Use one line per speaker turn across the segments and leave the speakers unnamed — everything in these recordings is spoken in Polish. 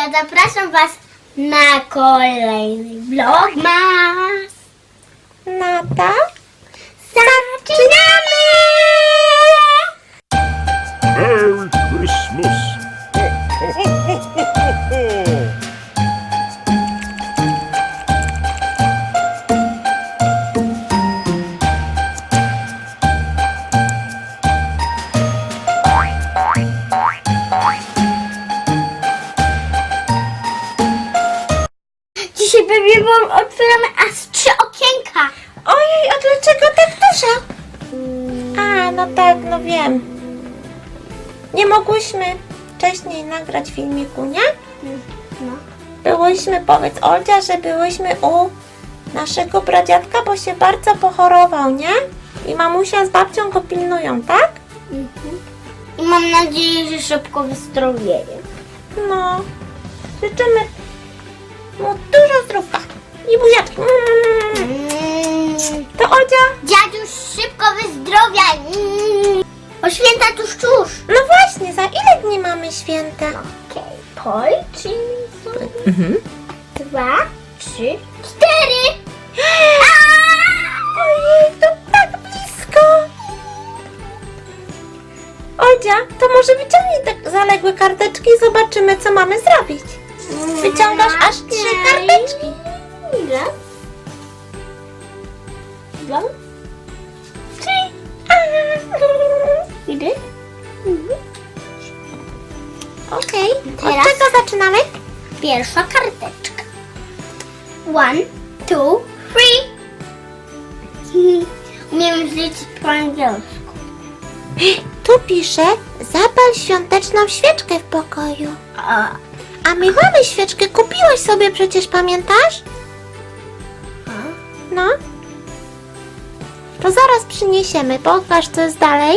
Oldzia, zapraszam Was na kolejny vlogmas.
No to
Zaczynamy!
Merry Christmas! Ho, ho, ho, ho, ho, ho.
Dzisiaj pewnie Wam otwieramy aż 3 okienka.
ojej, a dlaczego tak dużo? A, no tak, no wiem. Nie mogłyśmy wcześniej nagrać filmiku, nie?
No.
Byłyśmy, powiedz Oldzia, że byłyśmy u naszego pradziadka, bo się bardzo pochorował, nie? I mamusia z babcią go pilnują, tak?
I mam nadzieję, że szybko wyzdrowieje.
No, życzymy mu dużo zdrówka i buziaczki. To Oldzia,
Dziaduś, szybko wyzdrowiaj. O święta tuż.
no właśnie, za ile dni mamy święta?
Okej, policzymy sobie. 2, 3, 4.
Ojej, to tak blisko! Oldzia, to może wyciągnij te zaległe karteczki i zobaczymy, co mamy zrobić. Wyciągasz aż 3 karteczki.
Ile? 2, 3. Ile?
Okej,
Teraz?
od czego zaczynamy?
Pierwsza karteczka. 1, 2, 3. Umiem zliczyć po angielsku.
Tu pisze, zapal świąteczną świeczkę w pokoju.
A,
A my mamy świeczkę, kupiłaś sobie przecież, pamiętasz? No. To zaraz przyniesiemy, pokaż co jest dalej.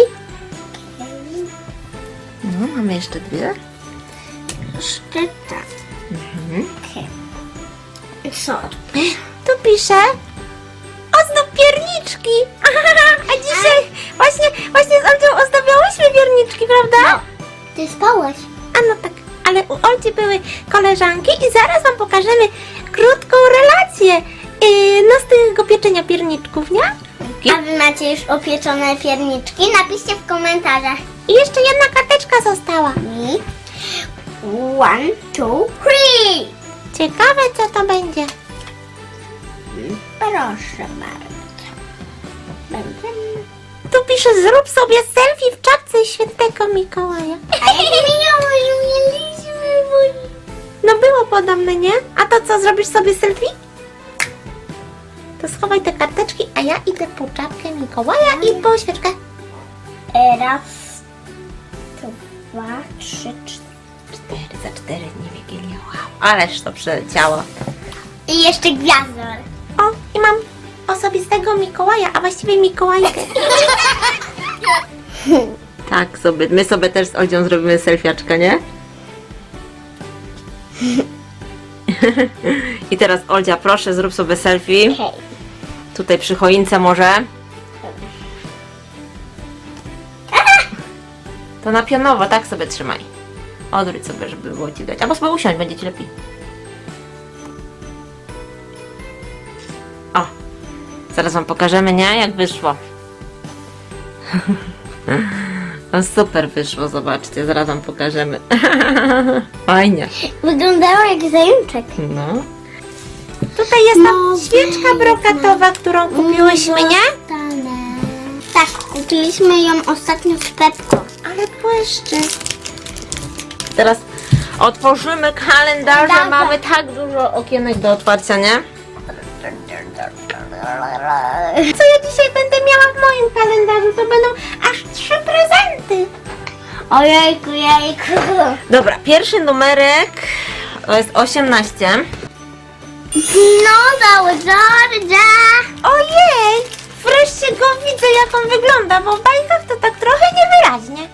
No, mamy jeszcze 2.
sztyta. Okej. Co?
Tu pisze ozdób pierniczki. A dzisiaj właśnie z Oldzią ozdabiałyśmy pierniczki, prawda?
Ty spałaś.
A no tak, ale u Oldzi były koleżanki i zaraz wam pokażemy krótką relację z tego pieczenia pierniczków, nie?
A wy macie już opieczone pierniczki? Napiszcie w komentarzach.
I jeszcze jedna karteczka została.
I 1, 2, 3.
Ciekawe co to będzie.
Proszę bardzo. Będziemy.
Tu pisze, zrób sobie selfie w czapce świętego Mikołaja.
A jak mieliśmy, bo...
No było podobne, nie? A to co, zrobisz sobie selfie? To schowaj te karteczki, a ja idę po czapkę Mikołaja i po świeczkę.
Raz, 2, 3, 4.
4 za 4 dni Wigilia. Wow, ależ to przeleciało.
I jeszcze gwiazdor.
O, i mam osobistego Mikołaja, a właściwie Mikołajkę. Tak, my sobie też z Oldzią zrobimy selfiaczkę, nie? I teraz Oldzia, proszę, zrób sobie selfie.
Okej.
Tutaj przy choince może. To na pionowo, tak sobie trzymaj. Odwróć sobie, żeby było ci dać. Albo sobie usiąść, będzie ci lepiej. O, zaraz wam pokażemy, nie? Jak wyszło. No super wyszło, zobaczcie, zaraz wam pokażemy. Fajnie.
Wyglądało jak zajączek.
No. Tutaj jest ta świeczka brokatowa, którą kupiłyśmy, nie?
Tak, kupiliśmy ją ostatnio z Pepką.
Ale błyszczy. Teraz otworzymy kalendarz,
Dobra.
mamy tak dużo okienek do otwarcia, nie? Co ja dzisiaj będę miała w moim kalendarzu? To będą aż 3 prezenty.
Ojejku, jejku.
Dobra, pierwszy numerek to jest 18.
Dinozaur Georgia.
Ojej! Wreszcie go widzę, jak on wygląda, bo w bajkach to tak trochę niewyraźnie.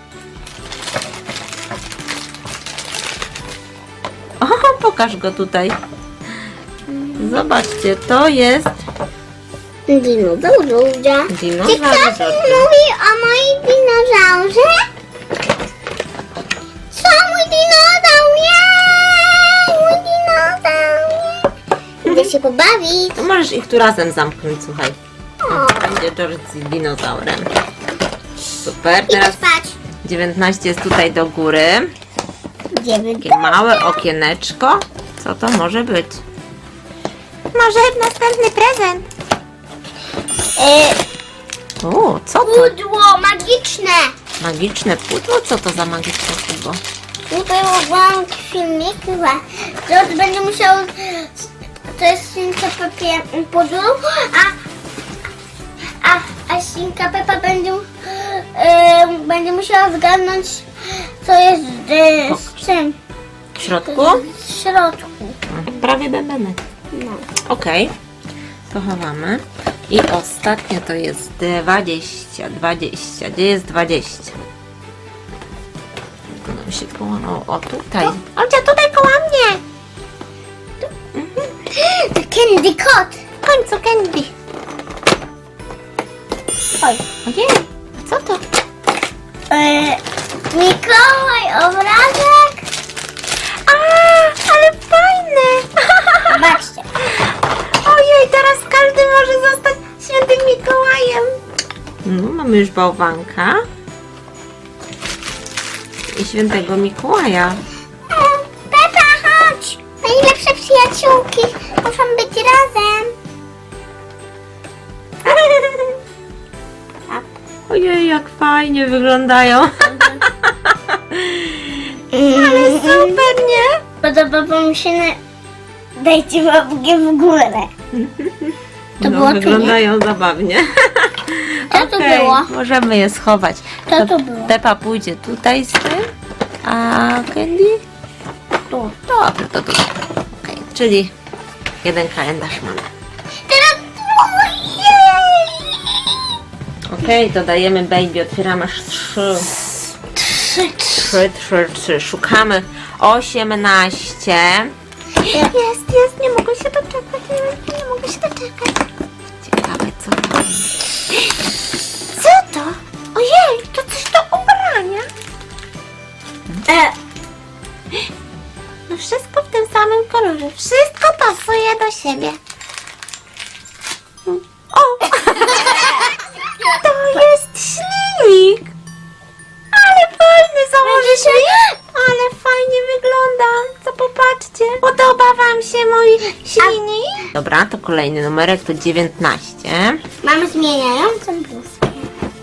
O, pokaż go tutaj. Zobaczcie, to jest
Dinozaur Georgia.
dinozaur.
Czy ktoś mówi o moim dinozaurze? Co mój dinozaur jest? się pobawić.
To możesz ich tu razem zamknąć, słuchaj. O, będzie George z dinozaurem. Super,
I
teraz
spać.
19 jest tutaj do góry.
Idziemy
Takie małe okieneczko. Co to może być? Może następny prezent. O, co to?
Pudło magiczne.
Magiczne pudło? Co to za magiczne pudło?
Tutaj oglądam filmik chyba. George będzie musiał... To jest świnka Peppa pudło, a świnka Peppa będzie musiała zgadnąć, co jest z czym.
W środku?
W środku.
Prawie bębenek.
No.
Okej. To chowamy. I ostatnie to jest 20. 20. Gdzie jest 20? To nam się połamało. O, tutaj. Olcia, tutaj koło mnie.
To Candy Kot.
W końcu Candy.
Oj.
Ojej, a co to?
Mikołaj, obrazek.
A, ale fajne.
Zobaczcie.
Ojej, teraz każdy może zostać świętym Mikołajem. No, mamy już bałwanka. I świętego Mikołaja.
Pepa, chodź. Najlepsze przyjaciółki muszą być razem.
Ojej, jak fajnie wyglądają. Ale super, nie?
Podoba mi się Dajcie łapkę w górę. To
No,
było tu,
wyglądają zabawnie.
Co to
Okej,
było?
możemy je schować.
Co to było?
Pepa pójdzie tutaj z tym, a Candy? Tu. Dobrze, to tutaj. Okej, czyli jeden kalendarz mamy.
Teraz...
Okej, dodajemy baby, otwieramy aż 3. 3. Szukamy 18. Jest, nie mogę się doczekać, nie mogę się doczekać. Ciekawe, co to jest. Co to? Ojej, to coś do ubrania. No wszystko w tym samym kolorze. Wszystko pasuje do siebie. O! To jest śliwik! Ale fajny, założysz mi? Ale fajnie wygląda. Co popatrzcie. Podoba wam się mój śliwik? Dobra, to kolejny numerek to 19.
Mamy zmieniającą bluzkę.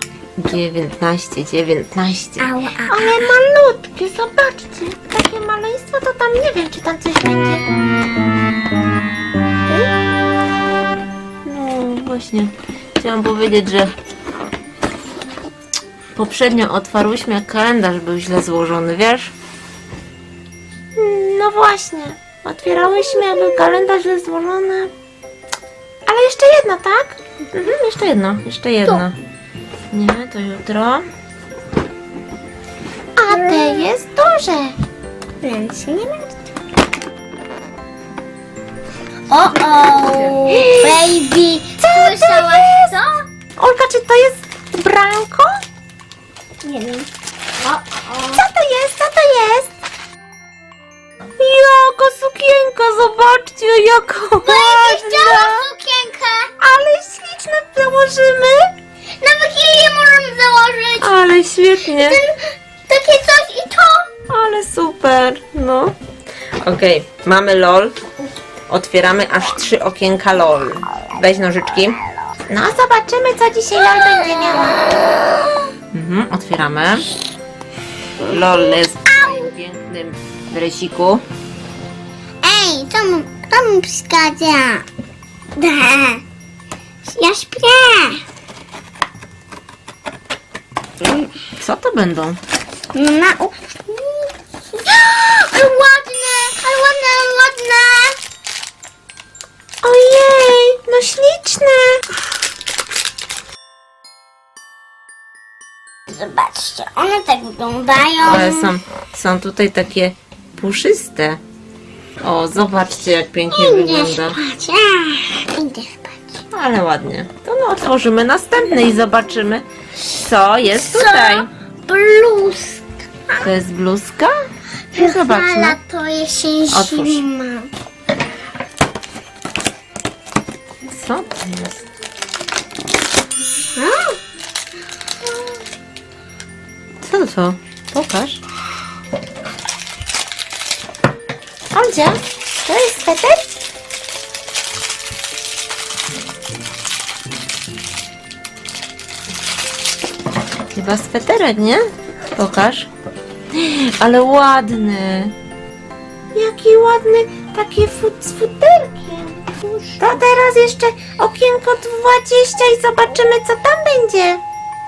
19.
Ała,
Ale malutkie, zobaczcie. Takie maleństwo to tam nie wiem, czy tam coś będzie. No właśnie, chciałam powiedzieć, że poprzednio otwarłyśmy, jak kalendarz był źle złożony, wiesz? No właśnie, otwierałyśmy, a był kalendarz źle złożony. Ale jeszcze jedno, tak? Jeszcze jedno. Nie, to jutro. A te jest duże.
Więc się nie martw. O, baby. Słyszałaś to?
Olka, czy to jest branko?
Nie wiem.
Co to jest? Co to jest? Jaka sukienka, zobaczcie, jaka
Chciałam
ładna.
sukienkę.
Ale śliczne, założymy.
Nawet jej nie możemy założyć.
Ale świetnie.
Takie coś i to.
Ale super, no. Okej, mamy LOL. Otwieramy aż 3 okienka LOL. Weź nożyczki. No, zobaczymy, co dzisiaj LOL będzie miała. Otwieramy. LOL jest w pięknym dresiku.
Ej, kto mi przeszkadza? Ja śpię.
Co to będą?
Na ale ładne, ale ładne, ale ładne.
Ojej, no śliczne.
Zobaczcie, one tak wyglądają.
Ale są tutaj takie puszyste. O, zobaczcie, jak pięknie
Idę
wygląda.
spać. Idę spać.
Ale ładnie. To no, otworzymy następny i zobaczymy, co jest tutaj.
Bluzka.
To jest bluzka? No,
Fala
zobaczmy.
to jesień,
Otwórz.
zima.
Co to jest? Co to? Pokaż.
Oldzia, to jest sweter?
Chyba sweterek, nie? Pokaż. Ale ładny. Jaki ładny, takie z futerkiem. To teraz jeszcze okienko 20 i zobaczymy, co tam będzie.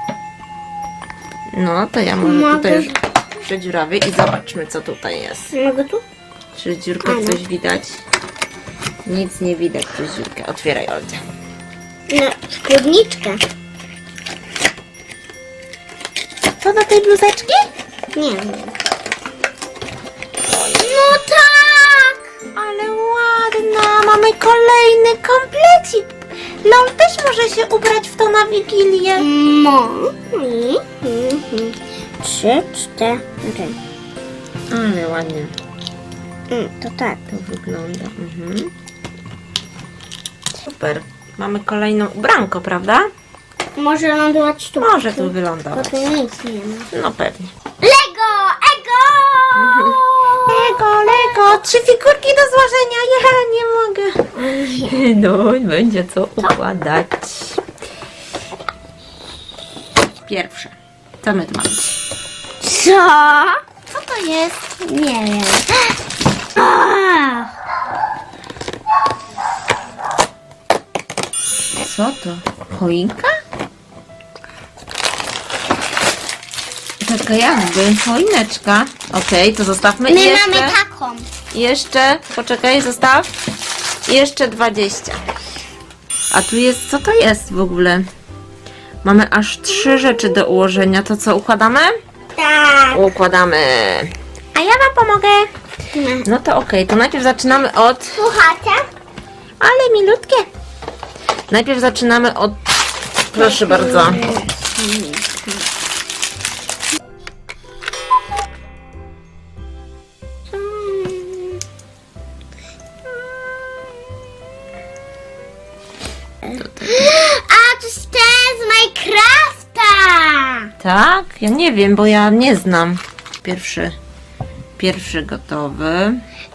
No, to ja może tutaj już przedziurawię i zobaczmy, co tutaj jest.
Mogę tu?
Czy dziurkę coś widać? Nic nie widać przez dziurkę. Otwieraj, Oldzia.
No, spódniczkę.
To do tej bluzeczki?
Nie wiem. No tak!
Ale ładna. Mamy kolejny komplecik. Lol też może się ubrać w to na Wigilię.
No. 3, 4.
Ale ładnie
To tak.
to wygląda. Super. Mamy kolejną ubranko, prawda?
Może lądować tu.
Może tu
Bo
wylądować.
tu nic nie ma.
No pewnie.
Lego! Ego!
Lego. 3 figurki do złożenia. Ja nie mogę. No, będzie co układać. Pierwsze. Co my tu mamy?
Co?
Co to jest?
Nie wiem. Ach,
Co to? Choinka? Taka jakby choineczka. Okej, to zostawmy.
my
I jeszcze,
mamy taką.
jeszcze, poczekaj, zostaw. Jeszcze 20. A tu jest, co to jest w ogóle? Mamy aż 3 rzeczy do ułożenia. To co, układamy?
Tak.
Układamy. A ja wam pomogę. No to okej, to najpierw zaczynamy od...
Słuchacie?
Ale milutkie. Najpierw zaczynamy od... Proszę bardzo.
A to jest ten z Minecrafta!
Tak? Ja nie wiem, bo ja nie znam. Pierwszy gotowy.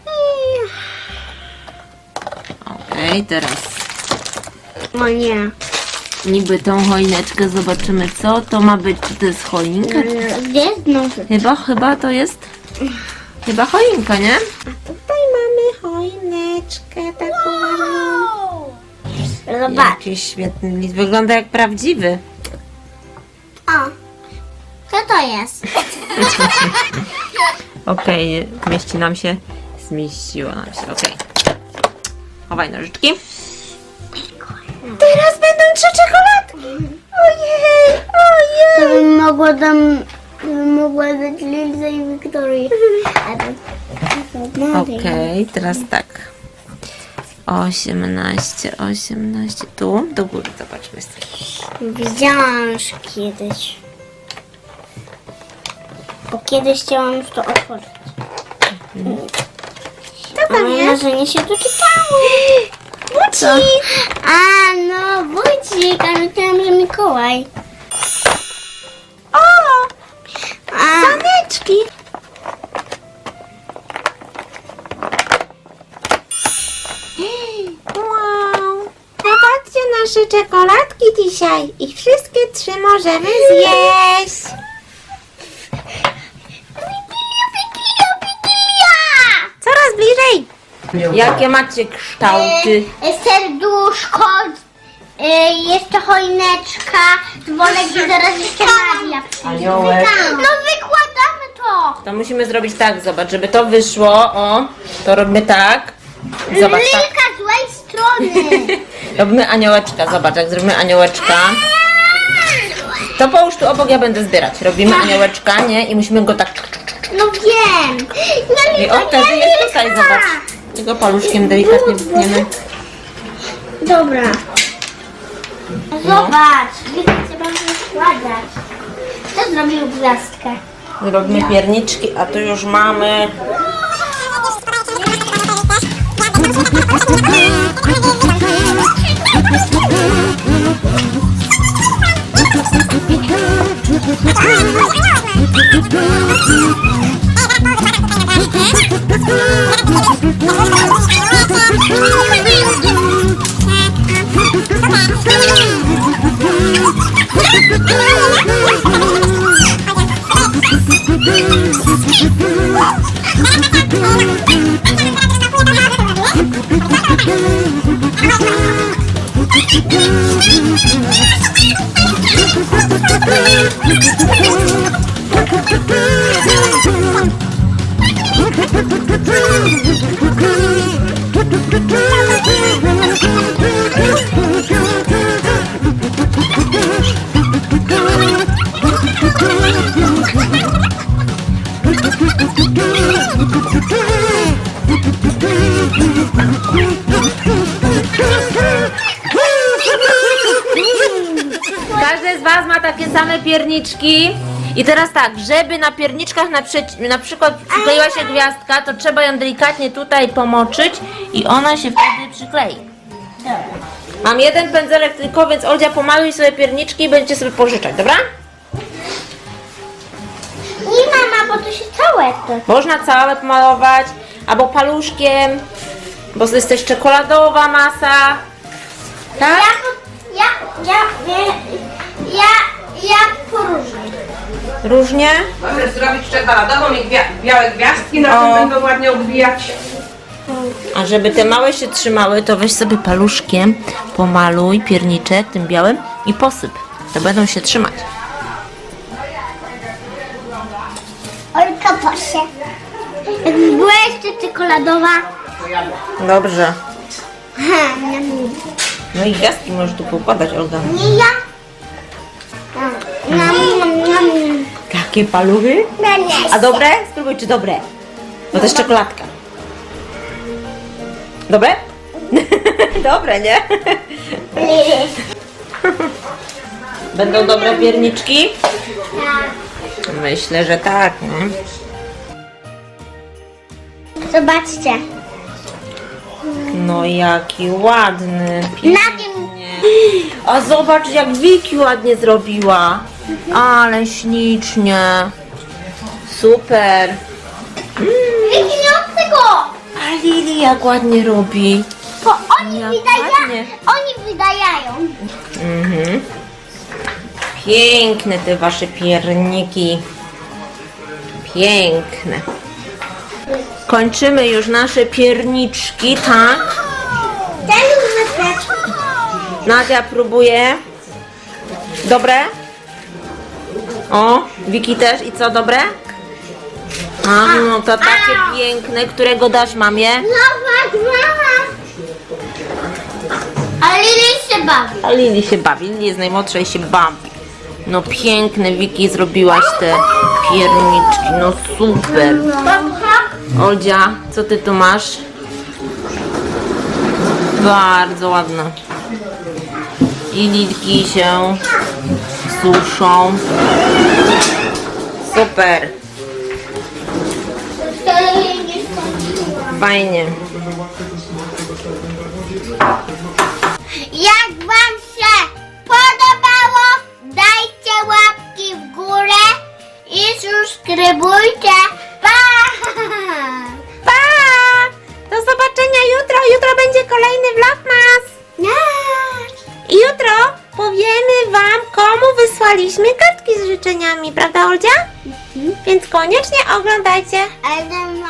Okej, teraz
O nie.
niby tą choineczkę zobaczymy, co to ma być. Czy to jest choinka?
Gdzie znowu?
Chyba to jest... Chyba choinka, nie? A tutaj mamy choineczkę taką ładną.
Zobacz.
Jakiś świetny list. Wygląda jak prawdziwy.
O. Co to jest?
Okej, zmieściło nam się, okej. Chowaj nożyczki. Teraz będą 3 czekoladki. Ojej,
To bym mogła dać Lilze i Wiktorii.
Okej, teraz tak. 18. Tu, do góry, zobaczmy.
Widziałam już kiedyś. Bo kiedyś chciałam już to otworzyć.
Co tam jest?
Marzenie się doczytało.
Bucik!
A, no, bucik, a myślałam, że Mikołaj.
O!
A,
Saneczki! Wow! Zobaczcie nasze czekoladki dzisiaj i wszystkie 3 możemy zjeść. Coraz bliżej. Jakie macie kształty?
serduszko, jeszcze choineczka, dzwonek i zaraz jeszcze Maria przyjdzie.
Aniołek.
No wykładamy to.
To musimy zrobić tak, zobacz, żeby to wyszło. O, to robimy tak. Zobacz, tak.
Lilka złej strony.
Robimy aniołeczka, zobacz, jak zrobimy aniołeczka. To połóż tu obok, ja będę zbierać. Robimy aniołeczka, nie? I musimy go tak...
No wiem.
I o, wtedy jest tutaj, zobacz. Tego paluszkiem delikatnie wypniemy.
Dobra. Zobacz, Lilka trzeba wykładać. Kto zrobił gwiazdkę?
Robimy pierniczki, a tu już mamy... Każdy z Was ma takie same pierniczki. I teraz tak, żeby na pierniczkach na przykład przykleiła się gwiazdka, to trzeba ją delikatnie tutaj pomoczyć i ona się wtedy przyklei. Mam jeden pędzelek tylko, więc Oldzia, pomaluj sobie pierniczki i będziecie sobie pożyczać, dobra?
Nie mama, bo to się całe to.
Można całe pomalować, albo paluszkiem, bo to jest też czekoladowa masa. Tak?
Ja poróżnię.
Różnie?
Możesz zrobić czekoladową i białe gwiazdki, na
O.
tym będą ładnie odbijać.
A żeby te małe się trzymały, to weź sobie paluszkiem, pomaluj pierniczek tym białym i posyp. To będą się trzymać.
Olka, proszę. Jakby była jeszcze czekoladowa.
Dobrze.
Ha, nie.
No i gwiazdki możesz tu poukładać, Olga.
Nie ja. Nam.
Takie paluchy? A dobre? Spróbuj, czy dobre. Bo to jest czekoladka. Dobre? Dobre, nie? Będą dobre pierniczki? Myślę, że tak, nie?
Zobaczcie.
No jaki ładny.
Na tym
A zobacz, jak Wiki ładnie zrobiła. Ale ślicznie. Super.
nie od tego.
A Lili jak ładnie robi.
Bo oni
Jak
wydają.
ładnie.
Oni wydają.
Mhm. Piękne te wasze pierniki. Piękne. Kończymy już nasze pierniczki, tak?
Ten wyprawki.
Nadia próbuje. Dobre? O, Wiki też. I co, dobre? A, no to takie piękne, którego dasz mamie?
Zobacz, mama. Ale Lili się bawi.
A Lili się bawi, Lili jest najmłodsza i się bawi. No piękne, Wiki, zrobiłaś te pierniczki, no super. Oldzia, co ty tu masz? Bardzo ładne. I lilki się suszą. Super, fajnie.
Jak wam się podobało, dajcie łapki w górę i subskrybujcie. Pa!
Pa! Do zobaczenia jutro. Jutro będzie kolejny vlogmas. I jutro powiemy wam, komu wysłaliśmy kartki z życzeniami, prawda, Oldzia? Więc koniecznie oglądajcie.
Ale